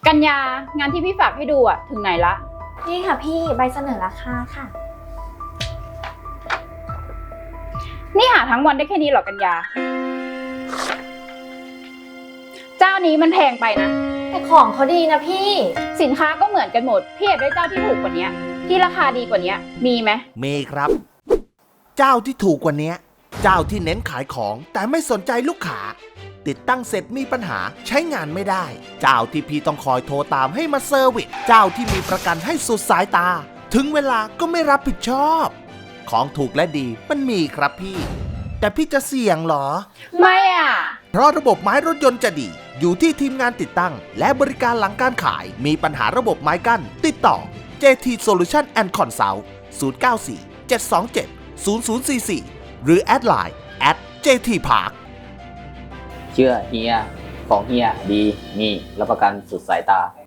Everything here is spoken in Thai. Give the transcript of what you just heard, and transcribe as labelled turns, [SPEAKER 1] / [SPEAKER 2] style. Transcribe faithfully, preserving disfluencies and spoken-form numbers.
[SPEAKER 1] กัญญางานที่พี่ฝากให้ดูอะถึงไหนละ
[SPEAKER 2] นี่ค่ะพี่ใบเสนอราคาค่ะ
[SPEAKER 1] นี่หาทั้งวันได้แค่นี้เหรอกัญญา เจ้านี้มันแพงไปนะ
[SPEAKER 2] แต่ของเขาดีนะพี่
[SPEAKER 1] สินค้าก็เหมือนกันหมดพี่อยากได้เจ้าที่ถูกกว่านี้ที่ราคาดีกว่านี้มีไหม
[SPEAKER 3] มีครับ เจ้าที่ถูกกว่านี้เจ้าที่เน้นขายของแต่ไม่สนใจลูกค้าติดตั้งเสร็จมีปัญหาใช้งานไม่ได้ เจ้าที่พี่ต้องคอยโทรตามให้มาเซอร์วิสเจ้าที่มีประกันให้สุดสายตา ถึงเวลาก็ไม่รับผิดชอบ ของถูกและดีมันมีครับพี่ แต่พี่จะเสี่ยงเหรอ
[SPEAKER 1] ไม่อ่ะ
[SPEAKER 3] เพราะระบบไม้รถยนต์จะดี อยู่ที่ทีมงานติดตั้ง และบริการหลังการขายมีปัญหาระบบไม้กั้นติดต่อ เจ ที Solution and Consult ศูนย์ เก้า สี่ เจ็ด สอง เจ็ด ศูนย์ ศูนย์ สี่ สี่ หรือแอดไลน์ แอท เจ ที Park
[SPEAKER 4] เชื่อเฮีย ของเฮียดีมีรับประกันสุดสายตา